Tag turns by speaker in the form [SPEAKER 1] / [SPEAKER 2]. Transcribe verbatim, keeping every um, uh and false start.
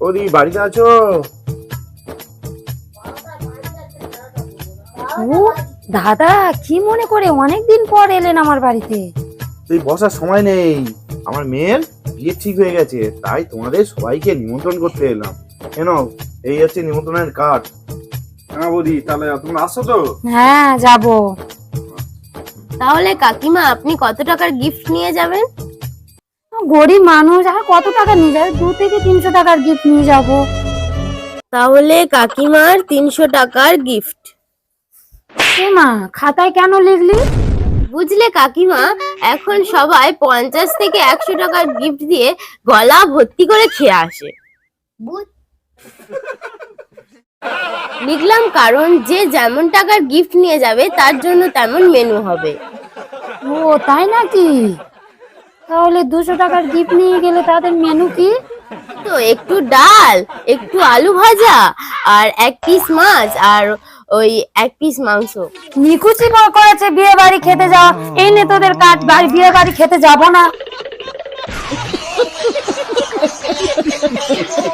[SPEAKER 1] বৌদি বাড়িতে আছো?
[SPEAKER 2] ও দাদা, কি মনে করে অনেকদিন পর এলেন আমার বাড়িতে?
[SPEAKER 1] তুই বসার সময় নেই, আমার মেয়ের বিয়ে ঠিক হয়ে গেছে, তাই তোমাদের সবাইকে নিমন্ত্রণ করতে এলাম। কেন, এই হচ্ছে নিমন্ত্রণের কার্ড। হ্যাঁ বৌদি, তাহলে তোমরা আসছো তো?
[SPEAKER 2] হ্যাঁ যাব।
[SPEAKER 3] তাহলে কাকিমা আপনি কত টাকার গিফট নিয়ে যাবেন?
[SPEAKER 2] গরিব মানুষ, আর কত টাকা নিয়ে যাবে? দু থেকে তিনশো টাকার গিফট নিয়ে যাব।
[SPEAKER 3] তাহলে কাকিমার তিনশো টাকার গিফট।
[SPEAKER 2] এ মা, খাতায় কেন লিখলি?
[SPEAKER 3] বুঝলে কাকিমা, এখন সবাই পঞ্চাশ থেকে একশো টাকার গিফট দিয়ে গলা ভর্তি করে খেয়ে আসে। লিখলাম কারণ যে যেমন টাকার গিফট নিয়ে যাবে তার জন্য তেমন মেনু হবে।
[SPEAKER 2] ও তাই নাকি? তাহলে দুশো টাকার গিফট নিয়ে গেলে তাদের মেনু কি?
[SPEAKER 3] তো একটু ডাল, একটু আলু ভাজা, আর এক পিস মাছ, আর ওই এক পিস মাংস।
[SPEAKER 2] নিকুচি করেছে বিয়ে বাড়ি খেতে যাওয়া। এই নে তোদের কার্ড, বাড়ি বিয়ে বাড়ি খেতে যাব না।